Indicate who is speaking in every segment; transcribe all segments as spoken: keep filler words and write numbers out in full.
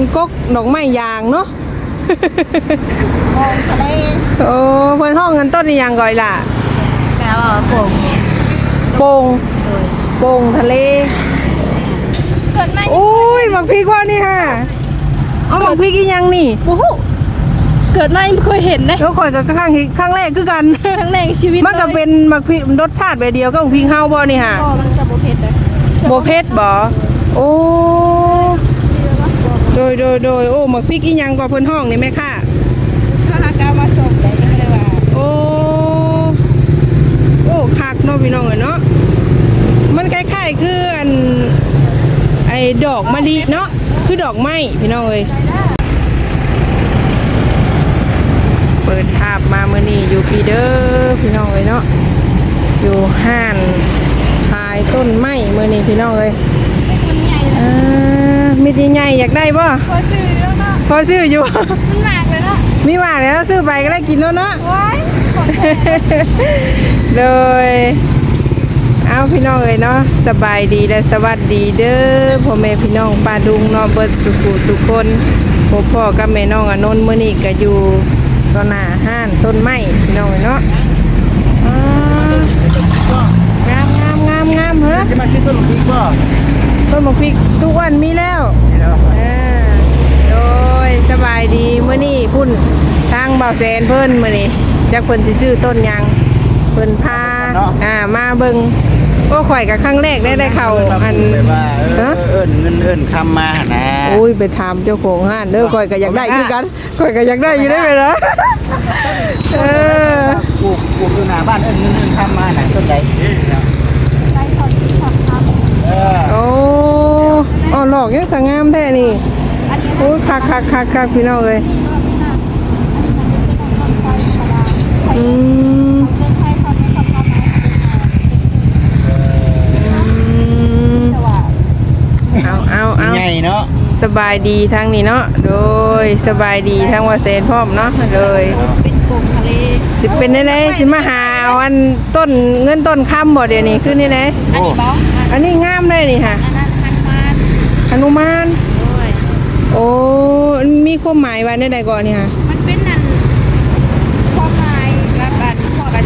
Speaker 1: กกดอกไม้ยางเนาะ
Speaker 2: โป่งทะเล
Speaker 1: โอ้เพิ่นห้องกันต้นนี่ยังก่อยล่ะ
Speaker 2: แปลว่าโป่ง
Speaker 1: โป่งโป่งทะเล
Speaker 2: เกิดไม่
Speaker 1: โอ้ยบักพริกว่านี่ฮะเอาบักพริกอีหยังนี่
Speaker 2: โอ้โหเกิดไม่เคยเห็นนะ
Speaker 1: แล้วข่อยก็ครั้งครั้งแรกคือกัน
Speaker 2: ครั้งแรกชีวิต
Speaker 1: มันก็เป็นบักพริกรสชาติแบบเดียวกับบักพริกเฮาบ่นี่ฮะ
Speaker 2: บ่มันจะบ่เผ็ดเลย
Speaker 1: บ่เผ็ดบ่โอ้โดยโดยโดยโอ้บักพริกอีหยังก็เพิ่นห้องนี่แม่ค่ะ
Speaker 2: ถ้าหากเอามาส่งได้ก็เลยว่า
Speaker 1: โอ้โอ้คักเนาะพี่น้องเอ้ยเนาะมันคล้ายๆคืออันไอ้ดอกมะลิเนาะคือดอกไม้พี่น้องเอ้ยเปิดภาพมาเมื่อนี้อยู่ปีเด้อพี่น้องเอ้ยเนาะอยู่ห้านขายต้นไม้เมื่อนี้พี่น้องเอ้ยอ่ามีที่ใหญ่อยากได้ป่ะ
Speaker 2: พอซื้อแล้วเนาะ
Speaker 1: พอซื้ออยู่
Speaker 2: มันหนักเลยเนาะ
Speaker 1: มีหมากแล้วซื้อไปก็ได้กินแล้วเนาะเลยเอาพี่น้องเอ้ยเนาะสบายดีและสวัสดีเด้อพ่อแม่พี่น้องป้าดุงเนาะเบิดสุขุสุคนพ่อพ่อกับแม่น้องอนนท์มื้อนี้ก็อยู่ต่อหน้าห้านต้นไม้พี่น้องเอ้ยเนาะงามงามงามงามเหรอ
Speaker 3: ใช่ไหมชื่อต้นมะพริกป่ะ
Speaker 1: ต้นมะพริกทุกวันมีแล้ว
Speaker 3: มีแล้ว
Speaker 1: อ่าโดยสบายดีมื้อนี้พุ่นทางบ่าวแสนเพิ่นมื้อนี้จักเพิ่นสิซื้อต้นหยังเพิ่นพาอ่ามาเบิ่งโอ้ข่อยกับครั้งแรกได้ได้เข้าอัน
Speaker 3: แบบว่าเออเอิ้นเงินเอิ้นคำมานะ
Speaker 1: โอ้ยไปถามเจ้าของห้านเด้อข่อยก็อยากได้คือกันข่อยก็อยากได้อยู่ได้ไหมล่ะเออ
Speaker 3: ปลูกปลูกอยู่หน้าบ้านเอิ้นเงินเอิ้นคำมาน่ะต้นใด
Speaker 2: ได้ถอดถอดครับ
Speaker 3: เออ
Speaker 1: โอ้อ๋อหลอกยังสงามแท้นี่โอ้ยคักคักคักคักพี่น้องเอ้ยอืมเอาเอาเอา
Speaker 3: ใหญ่เนาะ
Speaker 1: สบายดีทั้งนี้เนาะโดยสบายดีทั้งว่าเซนพร้อมเนาะเลย
Speaker 2: เป็นโป่งทะเล
Speaker 1: สิเป็นได้เลยสิมาหาเอาอันต้นเงินต้นคำบ่เดี๋ยวนี้ขึ้นนี่เลย
Speaker 2: อันนี้บ้อง
Speaker 1: อันนี้งามเลยนี่ค่ะ
Speaker 2: อันนั้นฮันมาน
Speaker 1: หนุมานโอ้มีความหมายไว้ในใดก่อนนี่ค่ะ
Speaker 2: มันเป็นนั่นความหมายกับอันพอกัน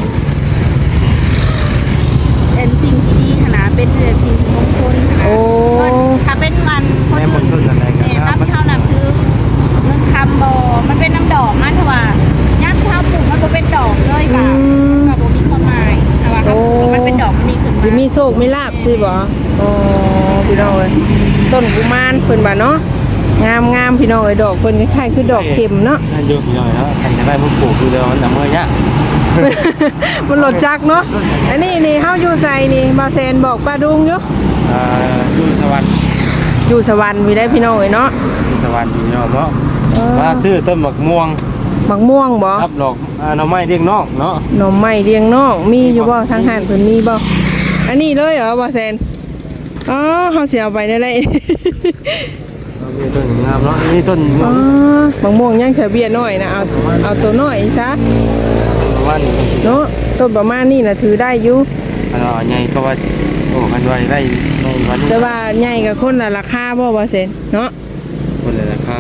Speaker 2: เป็นสิ่งที่ดีขนาดเป็นสิ่งที่มงคล
Speaker 1: โอ้
Speaker 2: ถ้าเป็นวันคนอื่นเนี่ยตั้งที่เขานำคือเงินคำบอมันเป็นน้ำดอกมันถือว่าย่างข้าวปลูกมันก็เป็นดอกเลยค่ะกับโบมีความหมายแต่ว่ามันเป็นดอกมันมีขึ้นมา
Speaker 1: สิมีโชคมีลาบสิบ่โอ้พี่น้องเอ้ยต้นกุมารเพิ่นบ่เนาะงามงามพี่น้องเอ้ยดอกเพิ่นคล้ายๆคือดอกเข็มเนาะ
Speaker 3: นั่นอยู่พี่น้องเนาะใครจะได้พวกปลูกคือเดียวมันจะเมื่อยะ
Speaker 1: มันหลดจักเนาะอันนี้นี่เฮาอยู่ไสนี่บ่าวแซนบอกป้าดุงอยู่
Speaker 3: อ่าอยู่สวรรค์
Speaker 1: อยู่สวรรค์มีได้พี่น้องเอ้ยเนาะ
Speaker 3: อยู่สวรรค์พี่น้องเนาะมาซื้อต้นมะม่วง
Speaker 1: มะม่วงบ่
Speaker 3: ครับดอกอ่าหน่อไม้เลี้ยงนอกเนาะ
Speaker 1: หน่อไม้เลี้ยงนอกมีอยู่บ่ทางห้านเพิ่นมีบ่อันนี้เลยเหรอบ่าวแซนอ๋อเฮาสิเอาไปได้เลย
Speaker 3: มีต้นงามเนาะนี่ต้น
Speaker 1: อ๋อมะม่วงยังเฉเบี้ยน้อยนะเอาเอาตัวน้อยซะเนาะต้นประมาณนี้น่ะถือได้อยู่
Speaker 3: อันว่าใหญ่ก็ว่าโอ้มันว่าได้ในวัน
Speaker 1: แต่ว่าใหญ่กับคนละราคาบ่บ่เซนเนาะ
Speaker 3: คนละราคา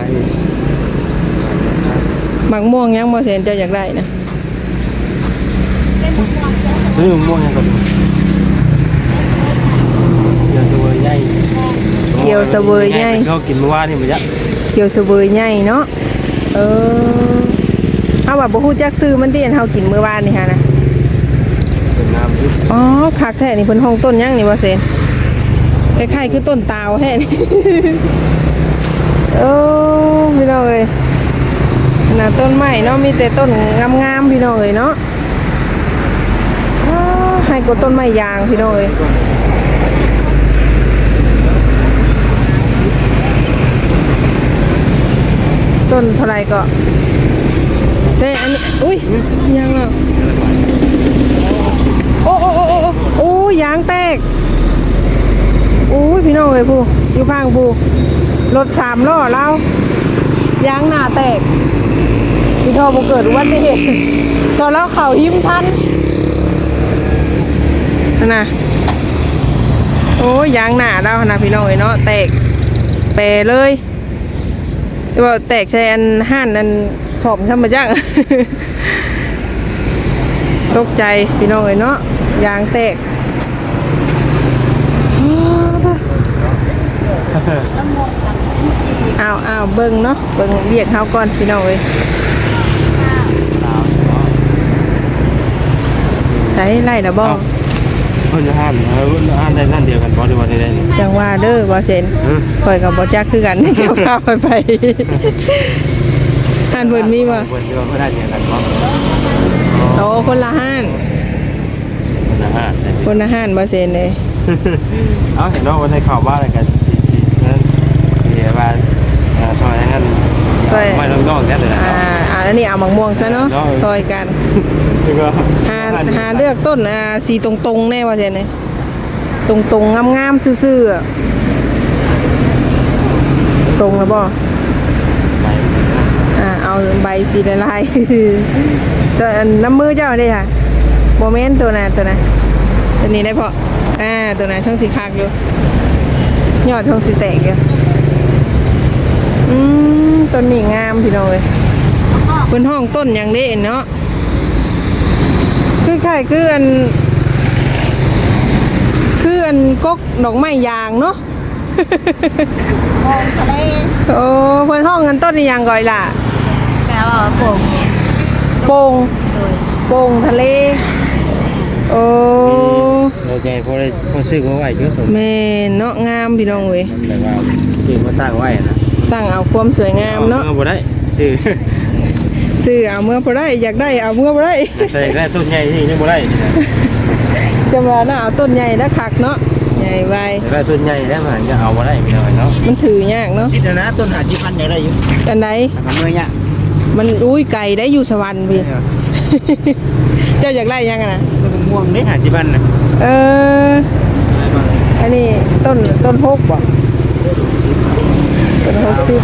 Speaker 1: หมักม่วงยังบ่เซนเจ้าอยากได้นะ
Speaker 3: ซื้อม่วงยังก่อนเขียวเสวยใหญ่
Speaker 1: เขียวเสวยใหญ่
Speaker 3: เขากินเมื่อวานนี่มันยะ
Speaker 1: เขียวเสวยใหญ่เนาะเออเอาว่าบ่ฮู้จักซื้อมันติอันเฮากินเมื่อวานนี่ฮะนะ
Speaker 3: เป็นน้ำยุบ
Speaker 1: อ๋อคักแท้นี่เพิ่นห้องต้นยังนี่บ่เซนคล้ายๆคือต้นตาวแท้นี่โอ้พี่น้องเอ้ยน่ะต้นไม้เนาะมีแต่ต้นงามๆพี่น้องเอ้ยเนาะให้กดต้นไม้ยางพี่น้องเอ้ยต้นเท่าไรก็ใช่อันนี้อุ้ยยังอ่ะโอ้โอ้โอ้โอ้โอ้ยางแตกโอ้ยพี่น้องเอ้ยผู้อยู่ข้างผู้รถสามล้อเรายางหน้าแตกพี่ทอบ่เกิดอุบัติเหตุตอนแล้วเข่าหิ้มทันนะโอ้ยยางหน้าเรานะพี่น้องเอ้ยเนาะแตกเปเลยว่าแตกใส่อันห้านอันสอบทำมาจัง ตกใจพี่น้องเอ้ยเนาะยางแตก
Speaker 2: แล้วหมดกัน
Speaker 1: อ้าวอ้าวเบิ่งเนาะเบิ่งเรียกเฮาก่อนพี่น้องเอ้ยใช้ไล่ละบ่
Speaker 3: เพิ่นจะห้านเออเพิ่นจะห้านได้นั่นเดียวกันบ่ได้ว่าได้นี่
Speaker 1: จังว่าเด้อบ่เซนข่อยก็บ่จักคือกัน เจ้าพาไปไปห้านเพิ่นมีบ่
Speaker 3: เพิ่นที่ว่าเพิ่นได้เดียวกันบ่
Speaker 1: โอ้คนละห้าน
Speaker 3: คนละห้าน
Speaker 1: คนละห้านบ่เซนเลย
Speaker 3: เอ้าเห็นเนาะว่าได้ข่าวว่าอะไรกันสิๆนั่นเดี๋ยวว่าอ่าซอยนั้นไม่ต้องต้องแค่นั้นนะ
Speaker 1: อ่าอ่าอันนี้เอามังม่วงซะเนาะซอยกัน
Speaker 3: แล้วก็
Speaker 1: หาหาเลือกต้นอ่าสีตรงๆแน่ว่าเซนเลยตรงๆงามๆซื่อๆอะตรงแล้วบ่
Speaker 3: ไป
Speaker 1: อ่าเอาใบสีละลาย ตัวอันน้ำมือเจ้าได้ค่ะโมเมนต์ตัวน่ะตัวน่ะตัวนี้ได้พออ่าตัวน่ะช่องสีคักอยู่ยอดช่องสีแตกอยู่อืมต้นนี้งามพี่น้องเลยเป็นห้องต้นอย่างนี้เนาะคือใช่คืออันคืออันกกดอกไม้ยางเนาะ
Speaker 2: มองทะเล
Speaker 1: โอ้เพิ่นห้องกันต้นนี้ยางก่อยล่ะ
Speaker 2: แปลว่าโป่ง
Speaker 1: โป่ง
Speaker 2: โดย
Speaker 1: โป่งทะเลโอ้
Speaker 3: โอเคพอได้พอซื้อมาไว้ก็ผม
Speaker 1: แม่นเนาะงามพี่น้องเว้ย
Speaker 3: แต่ว่าซื้อมาตั้งไว้นะ
Speaker 1: ตั้งเอาความสวยงามเนาะ
Speaker 3: บ่ได้ซื้อ
Speaker 1: ซื้อเอาเมื่อบ่ได้อยากได้เอาเมื่อบ่ได้
Speaker 3: แต่ได้ต้นใหญ่นี่ยังบ่ได้
Speaker 1: จะมาน่าเอาต้นใหญ่แล้วคักเนาะใหญ่ไว
Speaker 3: ได้ต้นใหญ่แล้วมันจะเอาบ่ได้พี่น้อยเนาะ
Speaker 1: มันถือยากเนาะ
Speaker 3: คิดนะต้นหาสิพันอย่างไรอยู่
Speaker 1: อันไหน
Speaker 3: มันเมื่อยเนี่ย
Speaker 1: มันอุ้ยไก่ได้อยู่สวรรค์พี่ เจ้าอยากได้ยังอะนะ
Speaker 3: ต้นม่วงได้หาสิพันนะ
Speaker 1: เอออันนี้ต้นต้นหกบ่ต้นหกสิบ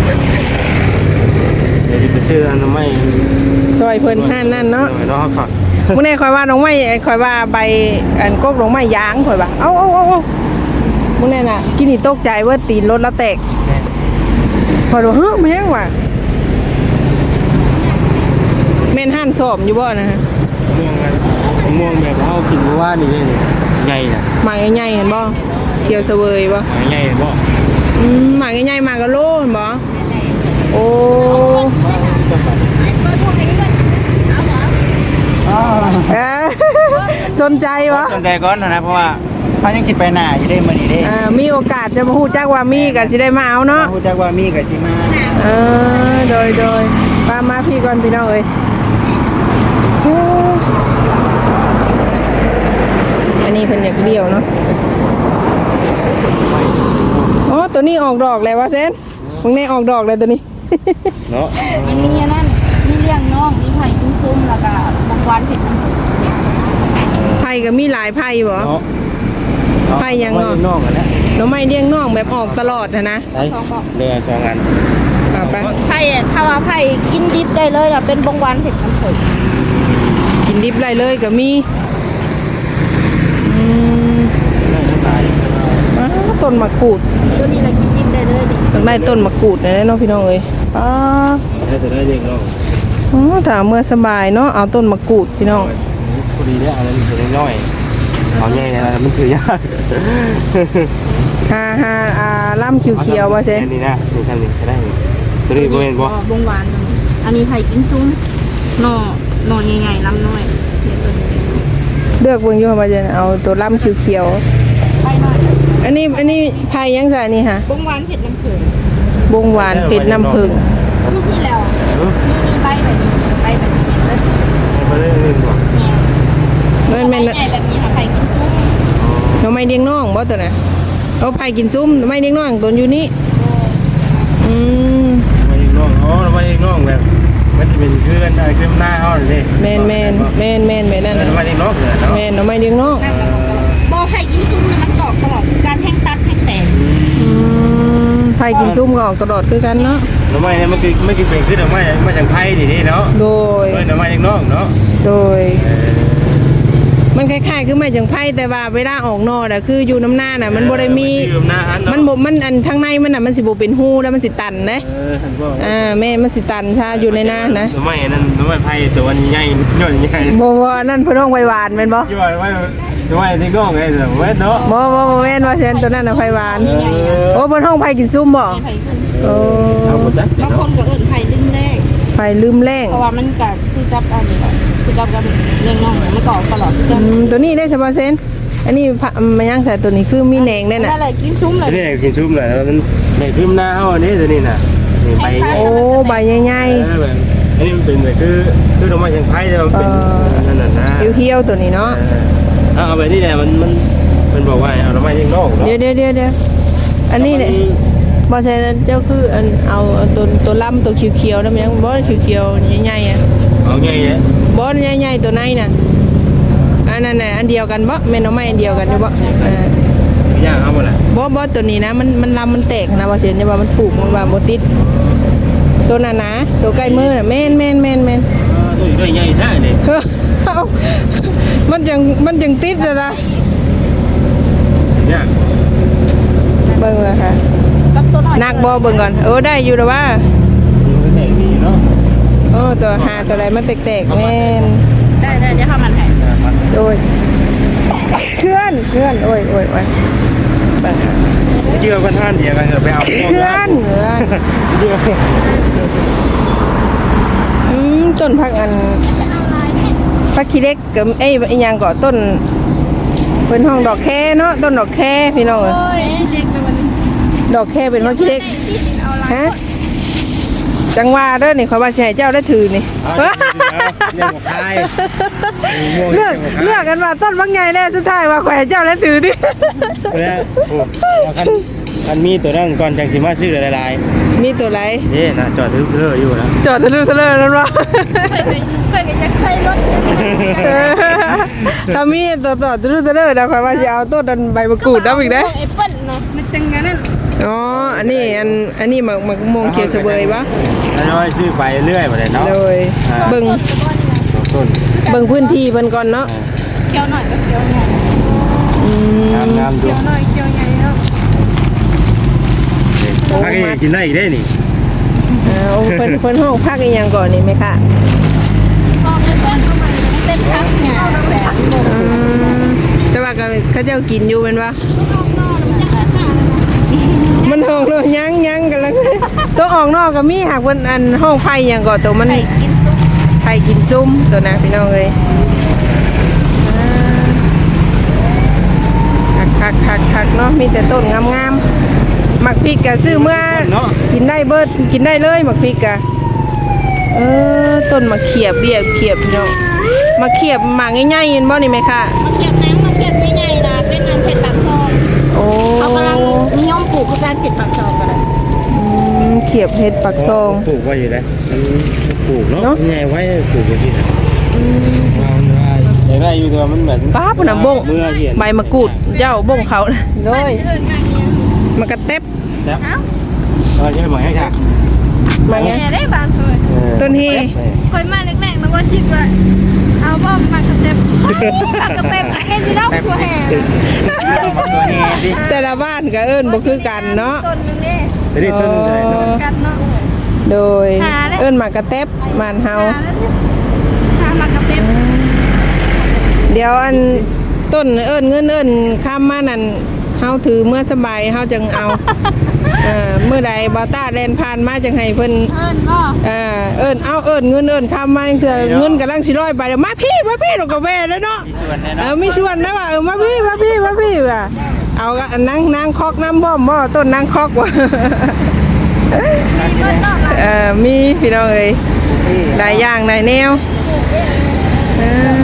Speaker 3: เดี๋ยวไปซื้ออันไม่
Speaker 1: ซอยเพิ่นห้านนั่นเนาะ
Speaker 3: เนาะครับ
Speaker 1: มื่อนี้คอยว่าน้องไม้คอยว่าใบอันกบน้องไม้ยางคอยว่าเอาเอาเอาเอามื่อนี้น่ะกินนี่ตกใจว่าตีนรถแล้วแตกคอยดูเฮ้ยแม่งว่ะแม่นหั่นสอบอยู่บ่นะฮะ
Speaker 3: ม่วงกันม่วงแบบเขากินเมื่อวานนี่ใหญ่น่ะ
Speaker 1: หมากใหญ่ๆเห็นบ่เขียวเสวยบ่
Speaker 3: ใหญ่บ่
Speaker 1: อืมหมากใหญ่ๆหมากกะโลเห็นบ่โอ้เอ้อ สนใจวะ
Speaker 3: สนใจก่อนนะเพราะว่าเขายังคิดไปหน้าอยู่ได้มื้อนี้เด้
Speaker 1: อ่ามีโอกาสจะมาฮู้จักว่ามีก็สิได้มาเอาเนาะ
Speaker 3: ฮู้จักว่ามีก็สิมา
Speaker 1: เออโดยโดยป้ามาพี่ก่อนพี่น้องเอ้ยโอ้อันนี้เพิ่นอยากเบี้ยวเนาะอ๋อตัวนี้ออกดอกแล้ววะเซนมึงนี่ออกดอกเลยตัวนี้
Speaker 3: เนาะ
Speaker 2: มันมีอันนั่นมีเลี้ยงน้องมีไผ่คุ้มๆแล้วก็บางวันเผ็ดน้ำผึ้ง
Speaker 1: ไผ่ก็มีหลายไผ่บ่
Speaker 3: เนาะ
Speaker 1: ไปยังเนาะ
Speaker 3: นอกกันแล้ว
Speaker 1: หน้องไม้เลี้ยงน้องแบบออกตลอดนะนะ
Speaker 3: ใช่เรือสองอัน
Speaker 1: เอาไป
Speaker 2: ไผ่อะถ้าว่าไผ่กินดิบได้เลยล่ะเป็นบางวันเผ็ดน้ำผึ้ง
Speaker 1: กินดิบไรเลยก็มีอืม
Speaker 3: ได้ทั้งตาย
Speaker 1: อ้าวต้นมะกรูด
Speaker 2: ตัวนี้เรากินดิบได้เลยดิ
Speaker 1: ต้องได้ต้นมะกรูดนะเนาะพี่น้องเอ้ยป้า
Speaker 3: ได้แต่ได้เด็กเนาะ
Speaker 1: อ๋อถ้าเมื่อสบายเนาะเอาต้นมะกรูดพี่น้อง
Speaker 3: พอดีเนี่ยอันนั้นเป็นน้อยเอาใหญ่นะมันถือยาก
Speaker 1: ฮาฮาอ่าล่ำเขียวๆว่าเซน
Speaker 3: นี่นะนี่ทำนี่ก็ได้ตัวนี้บ่เห็นบ่
Speaker 2: บางวันอันนี้ไผ่กินซุ้มหน่อหน่อใหญ่ๆลำน้อยเนี่ยตัวนี้
Speaker 1: เลือกเบิ่งอยู่ว่าจะเอาตัวล่ำเขียว
Speaker 2: ไผ่น้อย
Speaker 1: ๆอันนี้อันนี้ไผ่ยังไงนี่ฮะ
Speaker 2: บางวันเผ็ดน้ำผึ้ง
Speaker 1: บงหวานเผ็ดน้ำผึ้ง
Speaker 2: ลูกนี่แล้วนี่มีใบแบบนี้ใบแบบนี้เลย
Speaker 3: ไม่ได้เล่นบ่
Speaker 2: เนี่ย
Speaker 1: มันแม่น
Speaker 2: ใบใหญ่แบบนี้ค่ะไผ่กินซุ้ม
Speaker 1: หน่อไม้เลี้ยงน้องบ่ตัวน่ะเอาไผ่กินซุ้มหน่อไม้เลี้ยงน้องตัวอยู่นี่อืม
Speaker 3: มาเองน้องอ๋อมาเองน้องแบบมันจะเป็นคือกันคือหน้าเฮาเลย
Speaker 1: แมนแมนแมนแมนแมนนั่น
Speaker 3: นั่น
Speaker 1: น่ะ
Speaker 3: มาเองน้องเลยเนาะ
Speaker 1: แมนหน่อไม้เลี้ยงน้อง
Speaker 2: โบไผ่กินซุ้มมันตอกตลอดการแห้งตัดแห้งแตก
Speaker 1: อืมไผ่กินซุ้มก็ออกตลอดคือกันเนาะ
Speaker 3: หน่อไม้เนี่ยมันคือไม่คือเป็นคือหน่อไม้มาจากไผ่ดิเนาะ
Speaker 1: โดย
Speaker 3: เออหน่อไม้เองน้องเนาะ
Speaker 1: โดยมันคล้ายๆคือไม้จังไผ่แต่ว่าเวลาออกนอกน่ะคืออยู่น้ำหน้าน่ะมันบ่ได้มี
Speaker 3: อยู่หน้าหัน
Speaker 1: มันบ่มันอันทางในมันน่ะมันสิบ่เป็นหูแล้วมันสิตันเด้
Speaker 3: เออหันบ่
Speaker 1: อ่าแม่มันสิตันชาอยู่ในหน้านะ
Speaker 3: ไม่นั่นไม่ไผ่ตัวอันใหญ่ย่อยใหญ่
Speaker 1: บ่บ่อันนั้นเพิ่นห้องไว้หวานแม่นบ่
Speaker 3: ย่อยไว้ไม่ที่ก้องไงแต่เว้นเนาะ
Speaker 1: บ่บ่บ่แม่นว่าเช่นตัวนั้นน่ะไผหวานโอ้เพิ่นห้องไผกินซุ่มบ่
Speaker 2: ไผ่ขึ้น
Speaker 1: โอ้
Speaker 3: เอาหมดแล้ว
Speaker 2: บางคนก็เอิ้นไผ่ดึงแรก
Speaker 1: ไผลืมแรง
Speaker 2: เพราะว่ามันก็คือจับอันนี้แหละคือจับกับเรื่องน้องมันก็ออกตลอด
Speaker 1: อืมตัวนี้ได้เฉพาะเซนอันนี้พะมันยังแต่ตัวนี้คือมีแหนงได้น่ะ
Speaker 2: นั่นแหละกินซุ้มเลย
Speaker 3: นี่กินซุปเลยมันในคืมหน้าเอาอันนี้ตัวนี้น่ะนี่ไป
Speaker 1: โอ้ใบใหญ่
Speaker 3: เออแบบอันนี้มันเป็นแบบคือคือดอกไม้เชียงไผ่แต่มันเป็นนั่นน่ะนะ
Speaker 1: ๆเหี่ยวๆตัวนี้เนาะ
Speaker 3: เอาเอาไปนี่แหละมันมันมันบอกว่าเอาดอกไม้เชียงนอกเนาะ
Speaker 1: เดี๋ยวเดี๋ยวเดี๋ยวเดี๋ยวอันนี้เนี่ยบ่ใช่นะเจ้าคืออันเอาตัวตัวลำตัวเขียวๆนั่นมันยังบ่เขียวๆใหญ่ๆอ่ะ
Speaker 3: เอาไงเนี่ย
Speaker 1: บ่ใหญ่ๆตัวไหนน่ะอันนั้นน่ะอันเดียวกันบ่แม่นเอาไม้อันเดียวกันอยู่บ่เออ
Speaker 3: ย่างเอาหมดแหละ
Speaker 1: บ่บ่ตัวนี้นะมันมันลำมันแตกนะว่าเช่นจะว่ามันปลูกมันว่าบ่ติดตัวนั้นนะตัวใกล้มือน่ะแม่นแม่นแม่นแม่น
Speaker 3: ตัวใหญ่ใหญ่ได้เนี่ย
Speaker 1: เฮ้อเอ้ามันจังมันจังติดเลยนะ
Speaker 3: เนี่ย
Speaker 1: เบิ่งเลยค่ะ
Speaker 2: กับตัวน้อย
Speaker 1: นักบ่เบิ่งก่อนเออได้อยู่แล้วว่า
Speaker 3: มันก็แตกดีเนาะ
Speaker 1: เออตัวหาตัวอะไรมันแตกๆแม่น
Speaker 2: ได้ได้เดี๋ยวทำมันให้
Speaker 1: โดยเคลื่อนเคลื่อนโอ้ยโอ้ยโอ้ยเบิ่งค่ะ
Speaker 3: เชื่อกันท่านเดียวกันเถอะไปเอา
Speaker 1: เคลื่อนเคลื่อน
Speaker 3: เชื่อ
Speaker 1: อืมต้นพักอันพักขี้เล็กกับไอ้อีหยังก็ต้นเป็นห้องดอกแค่เนาะต้นดอกแค่พี่น้องเอ้ย
Speaker 2: โอ้ยเด็กแต่วันนี้
Speaker 1: ดอกแค่เป็นพักขี้เล็ก
Speaker 2: เอาละ
Speaker 1: ฮะจังว่าเด้อนี่ขอยว่าสิให้เจ้าได้ถือนี่
Speaker 3: เอาเรื่องของใคร
Speaker 1: เลือกเลือกกันว่าต้นบางไงแน่สุดท้ายว่าขอยให้เจ้าได้ถือดิ
Speaker 3: แล้วโอ้คันคันมีตัวนั้นก่อนจังสิมาซื้อหลาย
Speaker 1: มีตัวไร
Speaker 3: ๆนี่นะจอดถือเพื่ออยู่นะ
Speaker 1: จอดทะลึ่งทะเลนั่นวะ
Speaker 2: เคยจะใช้รถ
Speaker 1: ถ้ามีตัวต่อทะลึ่งทะเลนะขอยว่าจะเอาต้นดันใบมะกรูดนับอีกได้
Speaker 2: แอปเปิ้ลเนาะมันจังงั้นนั่น
Speaker 1: อ๋ออันนี้อันอันนี้หมักหมักม่วงเขียวเสวยปะ
Speaker 3: แล้วน้อยซื้อไปเรื่อยมาเลยเนาะ
Speaker 1: เลยเบิ่ง
Speaker 3: ต้น
Speaker 1: เบิ่งพื้นที่เพิ่นก่อนเนาะ
Speaker 2: เคี้ยวหน่อยก็เคี้ยวใหญ่
Speaker 1: อืม
Speaker 3: งามงามดู
Speaker 2: เคี้ยวหน่อยเคี้ยวใหญ่เนาะ
Speaker 3: ถ้ากินได้อีกได้นี่
Speaker 1: เอาเพิ่นเพิ่นห้องพักอีหยังก่อนนี่ไหมคะ
Speaker 2: พอแอปเปิ้ลเข้ามาเป็นพักหญ้าแบบ
Speaker 1: อืมแต่ว่าก็เขาเจ้ากินอยู่เป็นปะมันห้องเนาะยังยังกันแล้วตัวออกนอกก็มีหากเพิ่นอันห้องไฟอหยังก่อนตัวมัน
Speaker 2: ไข่กินซุป
Speaker 1: ไฟกินซุ่มตัวนะพี่น้องเลยคักคักคักคักเนาะมีแต่ต้นงามๆหมักพริกกะซื้อเมื่อกินได้เบิดกินได้เลยหมักพริกกะเออต้นมะเขียบเบี้ยเขียบพี่น้องมะเขียบหมากง่ายๆเห็นบ่นี่ไหมคะ
Speaker 2: มาเก็บน้ำมาเก็บไม่ใหญ่นะเป็นน้ำเผ็ดตักซอง
Speaker 1: โอ้
Speaker 2: เขากำลังนิยมปลูกคือการเผ็ดตักซองกันเลย
Speaker 1: อืมเขียบเห็ดปักซอง
Speaker 3: ปลูกไว้อยู่แล้วมันปลูกเนาะ
Speaker 1: เนาะ
Speaker 3: ใหญ่ไว้ปลูกไว้ที่ไหนเราได้ใหญ่ได้อยู่ตัวมันเหมือน
Speaker 1: ป้าปุ่นน่ะบง
Speaker 3: เมื่อเห็น
Speaker 1: ใบมะกรูดเจ้าบงเขาเลย
Speaker 2: เอิญมาเนี่ย
Speaker 1: มากระเต็บ
Speaker 3: แล้วเออใช่ไหมให้ค่ะ
Speaker 1: มาไง
Speaker 2: เนี่ยได้บางเลย
Speaker 1: ต้นฮี
Speaker 2: คอยมาแรกๆนะว่าจิตว่าเอาบ้อมมากระเต็มมากระเต็มให้ที่นอกตัวแห่
Speaker 3: ตัวแห่ดิ
Speaker 1: แต่ละบ้านก็เอิ้นบ่คือกันเนาะ
Speaker 2: ต้นนึงนี่
Speaker 3: ตัวนี้ต้นอะไรเนาะ
Speaker 2: กันเนาะ
Speaker 1: โดยเอิ้นหมากกระเต็บบ้านเฮา
Speaker 2: หามากระเต็ม
Speaker 1: เดี๋ยวอันต้นเอิ้นเงินเอิ้นข้ามมานั่นเฮาถือเมื่อสบายเฮาจังเอาเอ่อเมื่อใดบ่ต้าแล่นผ่านมาจังให้เพิ่น
Speaker 2: เอิญก็
Speaker 1: เอ่อเอิ้นเอาเอิ้นเงินเอิ้นข้ามมาจังเถื่อเงินกำลังสิร้อยไปเดี๋ยวมาพี่มาพี่เราก็แว่แล้วเนาะ
Speaker 3: มีส่วนแน่
Speaker 1: เอ
Speaker 3: เนาะ
Speaker 1: อมีส่วนนะว่าเออมาพี่มาพี่มาพี่ว่ะเอากะนั่งนั่งคอกน้ำบ่อมบ่ต้นนั่งคอกว่ะ เออมีพี่น้องเอ้ยหลายอย่างหลายแนวเออ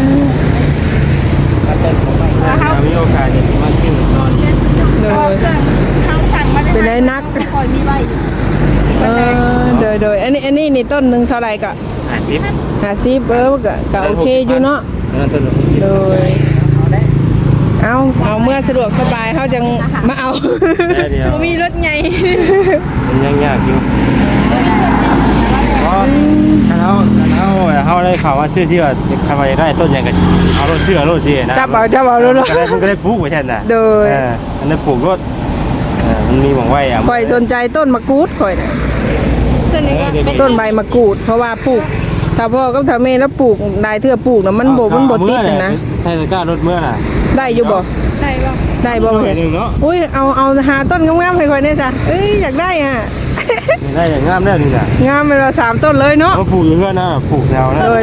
Speaker 3: มีโอกาสจะมาที่นอน
Speaker 1: โดย
Speaker 2: เขาสั่งมา
Speaker 1: เป็นไอ้นัก
Speaker 2: คอยมีไว้
Speaker 1: เออโดยโดยอันนี้อันนี้นี่ต้นหนึ่งเท่าไหร่ก็
Speaker 3: ห้าสิบ
Speaker 1: ห้าสิบเออก็ก็โอเคอยู่เนาะ
Speaker 3: นั่นต้นหกสิบ
Speaker 1: โดยเอาเอาเมื่อสะดวกสบายเขาจังมาเอา
Speaker 3: ได้เดียว
Speaker 1: บ่มีรถใหญ่
Speaker 3: มันยังยากอยู่เพราะถ้าทเฮาเฮาเฮาได้ข่าวว่าชื่อที่ว่าคำว่าได้ต้นยังกันเอารถเชื่อรถจีนะ
Speaker 1: จับเอาจับเอาลูก
Speaker 3: ก็ได้มันก็ได้ปลูกไว้แทนน่ะ
Speaker 1: โดย
Speaker 3: เอออันนั้นปลูกรถเออมันมีหม่องไว้อ่ะ
Speaker 1: ข่อยสนใจต้นมะกรูดข่อยน่ะ
Speaker 2: ตัวนี้ก็เป็น
Speaker 1: ต้นใบมะกรูดเพราะว่าปลูกถ้าพ่อกับถ้าแม่แล้วปลูกได้เทื่อปลูกน่ะมันบ่มันบ่ติดน่ะนะ
Speaker 3: ใช่ตะกร้ารถเมื่อน่ะ
Speaker 1: ได้อยู่บ่
Speaker 2: ได้บ่
Speaker 1: ได้บ่
Speaker 3: หน่อ
Speaker 1: เห็
Speaker 3: ย
Speaker 1: น
Speaker 3: หนึงเนาะ
Speaker 1: อุ้ยเอาเอาหาต้นงามๆให้ข่อยแน่จ้ะเอ้ยอยากได้อ่ะ
Speaker 3: ได้อย่างงามแล้วนี่น่ะ
Speaker 1: งามไปละสามต้นเลยเนาะ
Speaker 3: เขาปลูกอยู่เพื่อนนะปลูกแถวนะ
Speaker 1: เออ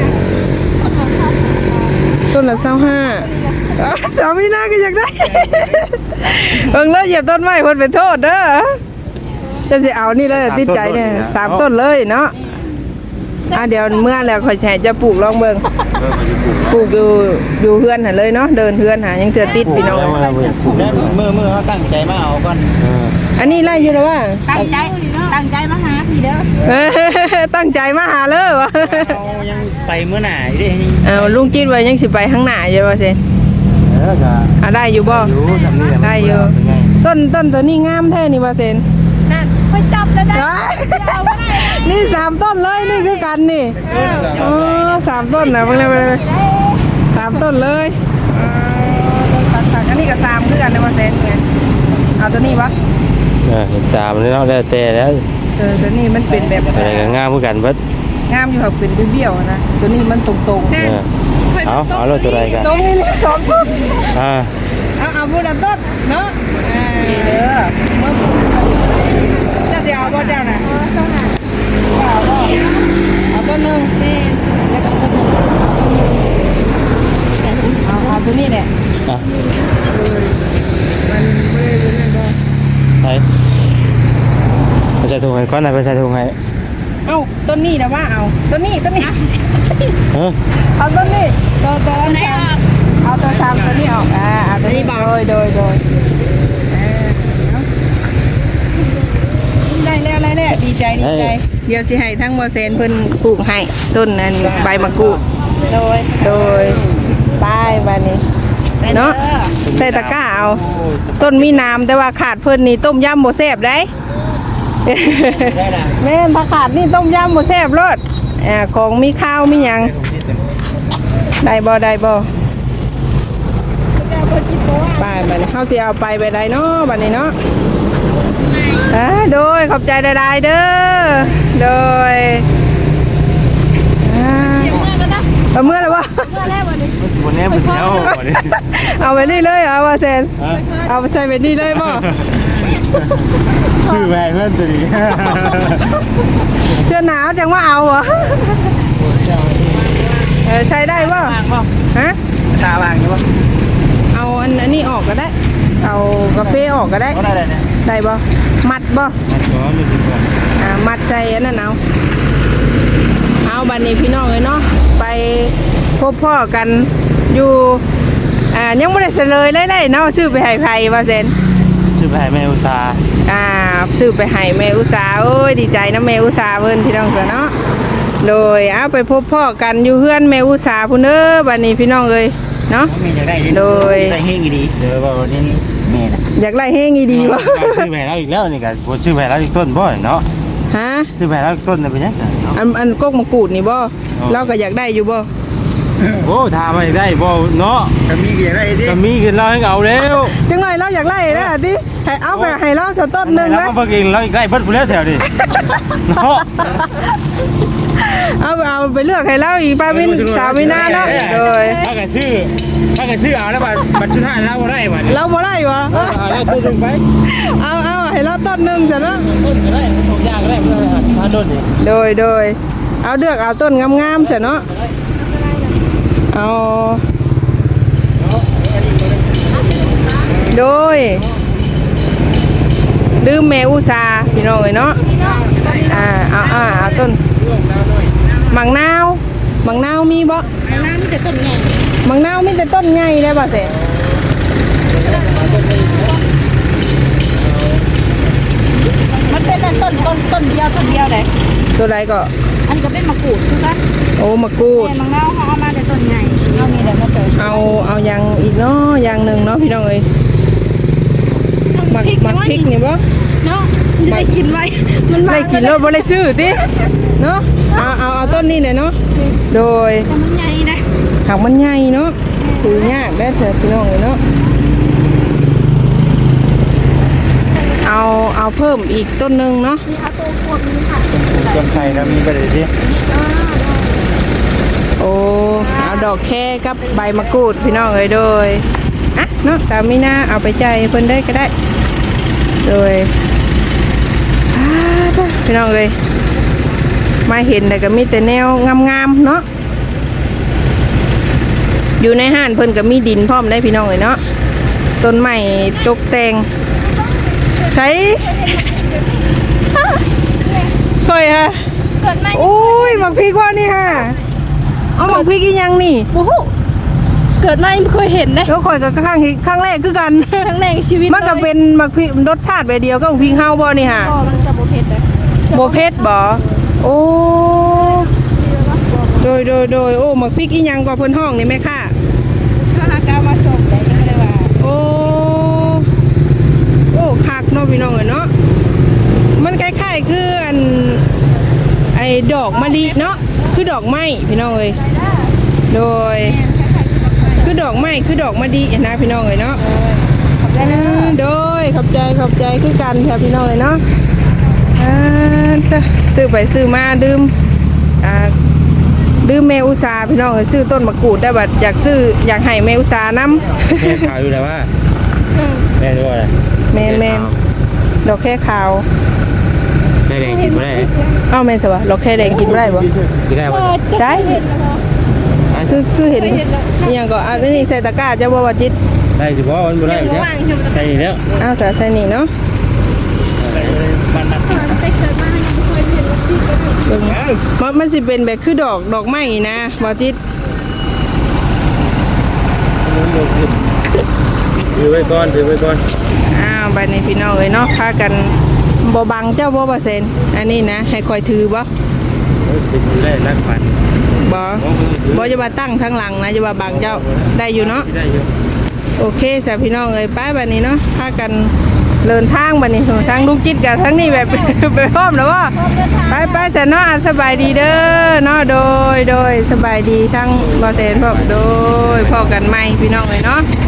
Speaker 1: ต้นละเศร้าห้าสามีหน้าก็อยากได้ เอิงเลยเหยียบต้นไม้เพิ่นเป็นโทษเด้อจะสิเอานี่เลยติดใจเนี่ยสามต้นเลยเนาะอ่ะเดี๋ยวเมื่อแล้วข่อยแชร์จะปลูกลองเบิ่ง
Speaker 3: เออมันจะปลูก
Speaker 1: ปลูกอยู่อยู่เฮือนหั่นเลยเนาะเดินเฮือนหายังเถื่อติดพี่น้อง
Speaker 3: แล้วมันจะปลูก
Speaker 4: แล้วมือมือเขาตั้งใจมาเอาก่อน
Speaker 3: เออ
Speaker 1: อันนี้ไล่อยู่แล้วว่า
Speaker 2: ตั้งใจตั้งใจมาหาพี่เด้อ
Speaker 1: เออตั้งใจมาหาเลยวะ
Speaker 4: เอายังไปเมื่อไหร่ดิ
Speaker 1: เอาลุงจิตไว้ยังสิไปข้างหน้าอยู่ว่าสิ
Speaker 3: เออจะ
Speaker 1: อ่ะได้อยู่บ่
Speaker 3: อยู่ทำนี่แหละ
Speaker 1: ได้อยู่
Speaker 3: เป็นไง
Speaker 1: ต้นต้นตัวนี้งามแท้นี่ว่าเซน
Speaker 2: นั่นไปจับแล้วได้
Speaker 1: นี่สามต้นเลยนี่คือกันนี่อ๋อสามต้นนะเพิ่งเลยเลยสามต้นเลยอ๋อต้นตัดตัดอันนี้ก็สามคือกันในว่าเซนไงเอาตัวนี้วะ
Speaker 3: เออเห็นตามนี่เนาะแล้วแต่แล้ว
Speaker 1: เออตัวนี้มันเป็นแบบ
Speaker 3: อะไรก็งามเหมือนกันเบิด
Speaker 1: งามอยู่ค่ะเป็นเบี้ยวๆนะตัวนี้มันตรงๆ
Speaker 3: เออเอาเอารถตัวใดกัน
Speaker 1: ตรงนี้เลยสองต้น
Speaker 3: อ่า
Speaker 1: เอาเอาบุญต้นเนาะดีเด้อเมื่อจะสิเอาบ่เจ้าน่ะเอาบ่เอาต้นหนึงแล้วก็ต้นหนึงเอาเอาตัวนี้แหละ
Speaker 3: อ่ะ
Speaker 1: มันไม่ได้รู้นั่นบ่
Speaker 3: ไปไปใส่ถุงให้ก่อนนะไปใส่ถุงให้
Speaker 1: เอ้าต้นนี้นะว่าเอาต้นนี้ต้นนี้
Speaker 3: เออ
Speaker 1: เอาต้นนี้ตัวตัวอันนี้เอาตัวสามตัวนี้ออกอ่าเอาตัวนี้โดยโดยโดยอ่าเอาได้แล้วได้แล้วดีใจดีใจเดี๋ยวสิให้ทั้งโมเซนเพิ่นปลูกให้ต้นนั้นใบมะกรูด
Speaker 2: โดย
Speaker 1: โดยป้ายบานนี้เนาะใส่ตะกร้าเอา ต้นมีน้ำแต่ว่าขาดเพิ่นนี่ต้มยำโมแซ่บได้
Speaker 4: ได้ละ
Speaker 1: แม่นถ้าขาดนี่ต้มยำโมแซ่บรสอ่าของมีข้าวมีหยังได้บ่ได้บ่ไปบัดนี้เฮาสิเอาไปไปได้เนาะบัดนี้เนาะอ่าโดยขอบใจได้ๆเด้อโดยอ่าเอาเมื่อแล้วบ่
Speaker 3: วันนี้เป็นแล้ววันนี้
Speaker 1: เอาไปนี่เลยเหรอว่าเซนเอาไปใส่ไปนี่เลยบ่
Speaker 3: ชื่อแม่เพื่อนตัวนี้
Speaker 1: เสื้อหนาวจังว่าเอาเหรอเออใช้ได้บ่
Speaker 4: วางป่ะ
Speaker 1: ฮะ
Speaker 4: ตาวางอยู่ป่ะ
Speaker 1: เอาอันอันนี้ออกก็ได้ เอากาแฟออกก็ได้
Speaker 4: เขาได้เลยเนี่ย
Speaker 1: ได้บ่มัดบ่
Speaker 3: มันก็ไม่ถึงกัน
Speaker 1: อ่ามัดใส่อันนั้นเอาเอาบัดนี้พี่น้องเลยเนาะไปพบพ่อกันอยู่อ่ายังไม่ได้เสลยเลยได้เนาะชื่อไปให้ไผว่าเซน
Speaker 3: ชื่อแม่แม่อุตสา
Speaker 1: อ่าซื้อไปให้แม่อุตสาโอ้ยดีใจนะแม่อุตสาเพิ่นพี่น้องเนาะโดยเอาไปพบพ่อกันอยู่เฮือนแม่อุตสาพุ่นเด้อบัดนี้พี่น้องเอ้ยเนาะ
Speaker 4: มีอยากได้
Speaker 1: โดย
Speaker 4: ได้เฮงดีเดี๋ยวว่าวันนี้แม่น่ะ
Speaker 1: อยากไล่เฮงอีดีวะ
Speaker 3: ชื่อแม่แล้วอีกแล้วนี่กันชื่อแม่แล้วอีกต้นบ่เนาะ
Speaker 1: ฮะ
Speaker 3: ชื่อแม่แล้วอีกต้นเป็นยังไงเนาะ
Speaker 1: อันอันกกมะกรูดนี่บ่เราก็อยากได้อยู่บ่
Speaker 3: โอ้ถามมาได้บ่เนาะ
Speaker 4: ถ้ามีอยากได้ดิ
Speaker 3: จะมีขึ้นเราให้เอาแล้ว
Speaker 1: จังหน่อยเราอยากไล่นะติให้เอาไปให้เราสักต้นหนึง
Speaker 3: แล้
Speaker 1: นะ
Speaker 3: วก็เพิ่งเองเราอีกได้เพิ่นผู้แล้วแถวนี้เนาะ
Speaker 1: เอาไปเอาไปเลือกให้เราอีกป้ามินสาวมินาเนาะโดย
Speaker 3: ถ้าเกิดชื่อถ้าเกิดชื่อเอาแล้วบัตรบัตรชุดท้ายเราได้บัตร
Speaker 1: เราบ่ได้วะ
Speaker 3: เราต้นลงไป
Speaker 1: เอาเอาให้เราต้นหนึงซะเนาะ
Speaker 3: ต้นก็ได้ต้นยากก็ได้เพื่อสิบห้าต้นนี่
Speaker 1: โดยโดยเอาเลือกเอาต้นงามๆซะเนาะเอาโดยดืมแม่อุตสาพี่น้องเอ้ยเนาะอ่าเอาอ่าเอาต้นมังนาวมังนาวมีบ่
Speaker 2: น้ำมีแต่ต้นใหญ่
Speaker 1: มังนาวมีแต่ต้นใหญ่ได้บ่เสร็จ
Speaker 2: มันเป็นต้นต้นต้นเดียวต้นเดียวเลย
Speaker 1: ตัวใดก็
Speaker 2: อันนี้ก็เป็นมะกรูดคือกัน
Speaker 1: โอ้มะกรูด
Speaker 2: แต่มังนาวเขาเอามาแต่ต้นใหญ่เอามีแต่มาเจอ
Speaker 1: เอาเอาอย่างอีกเนาะอย่างหนึ่งเนาะพี่น้องเอ้ยหมักหมักพริกนี่บ่
Speaker 2: เนาะได้กินไว้มัน
Speaker 1: ได้กินแล้วบ่ได้ซื้อติเนาะ
Speaker 2: เ
Speaker 1: เอาเอาเอาต้นนี้เลยเนาะโดย
Speaker 2: แต่มันใหญ่นะ
Speaker 1: หากมันใหญ่เนาะถือยากได้เถอะพี่น้องเลยเนาะเอาเอาเพิ่มอีกต้นหนึงเนาะ
Speaker 2: มีเอาตัวขวดนี้ค่ะ
Speaker 4: จนไทยแล้วมีประเด็นที่
Speaker 1: โอ้เอาดอกแค่กับใบมะกรูดพี่น้องเลยโดยอ่ะเนาะสามีนาเอาไปใจายเพิ่นได้ก็ได้โดยอ่าจ้ะพี่น้องเลยมาเห็นแต่ก็มีแต่แนวงามๆเนาะอยู่ในห้านเพิ่นก็มีดินพร้อมได้พี่น้องเลยเนาะต้นไม้ตกแต่งใช้เคยฮะ
Speaker 2: เกิดมา
Speaker 1: โอ้ยหมักพริกว่านี่ฮะเอาหมักพริกอีหยังนี่
Speaker 2: โอ้โหเกิดมาไม่เคยเห็นนะ
Speaker 1: แล้วข่อยก็ครั้งที่ครั้งแรกคือกัน
Speaker 2: ครั้งแรกในชีวิต
Speaker 1: มันก็เป็นหมักพริกรสชาติแบบเดียวกับหมักพริกเฮาบ่นี่ฮะ
Speaker 2: ก็มันจะโบเพ็ดเลย
Speaker 1: โบเผ็ดบ่โอ้โดยโดยโดยโอ้หมักพริกอีหยังกว่าเพิ่นห้องนี่แม่ค่ะ
Speaker 2: ถ้าหากามาส่งแต่ยังเลยว่า
Speaker 1: โอ้โอ้คักเนาะพี่น้องเอ้ยเนาะมันคล้ายๆคืออันไอ้ดอกมะลิเนาะคือดอกไม้พี่น้องเอ้ยโดยคือดอกไม้คือดอกมะลินะพี่น้องเอ้ยเนาะอ่าโดยขอบใจขอบใจคือกันแท้พี่น้องเอ้ยเนาะอ่าจ้ะซื้อไปซื้อมาดื่มอ่าดื่มแมวอุตสาพี่น้องเอ้ยซื้อต้นมะกรูดได้บัดอยากซื้ออยากให้แมวอุตสานํ
Speaker 3: แม่ข่าวอยู่แล้วว่าแม่ด้วยอะไร
Speaker 1: แมนแมนดอกแค่ขาว
Speaker 3: แม่แดงกินไม่ได้
Speaker 1: เอ้าแมนสวะดอกแค่แดงกินไม่ได้บ่
Speaker 3: กินได้ปะ
Speaker 1: ได้คือคือเห็นอหย่างก็อันนี้ใส่ตะกร้าจะบ่ว่าจิต
Speaker 3: ได้สิบ่มันบ่ได้ใช่ใช่แล้ว
Speaker 1: อ้าวสาใส่นี่เนาะ
Speaker 4: มันมัน
Speaker 2: แต่เกิดมายังไม่เคยเห็นว่าที่เป็น
Speaker 1: เบิ่งมันมันสิเป็นแบบคือดอกดอกไม้นะบ่จิต
Speaker 3: ถือไว้ก่อนถือไว้ก่อน
Speaker 1: อ้าวบัดนี้พี่น้องเอ้ยเนาะพากันบ่บังเจ้าบ่บ่เซนอันนี้นะให้คอยถือบ่
Speaker 3: ติดได้นักฝัน
Speaker 1: บ่บ่จะมาตั้งทางหลังนะจะมาบังเจ้าได้อยู่เนาะ
Speaker 3: ได้อยู่
Speaker 1: โอเคสาพี่น้องเอ้ยไปบัดนี้เนาะพากันเดินทางบัดนี้ทางลูกจิตกับทั้งนี้แบบ ไปพร้อมแล้วว่าไปไปๆซะเนาะอ่ะสบายดีเด้อเนาะโดยโดยสบายดีทั้งบ่เซนพร้อมโดยพอกันใหม่พี่น้องเอ้ยเนาะ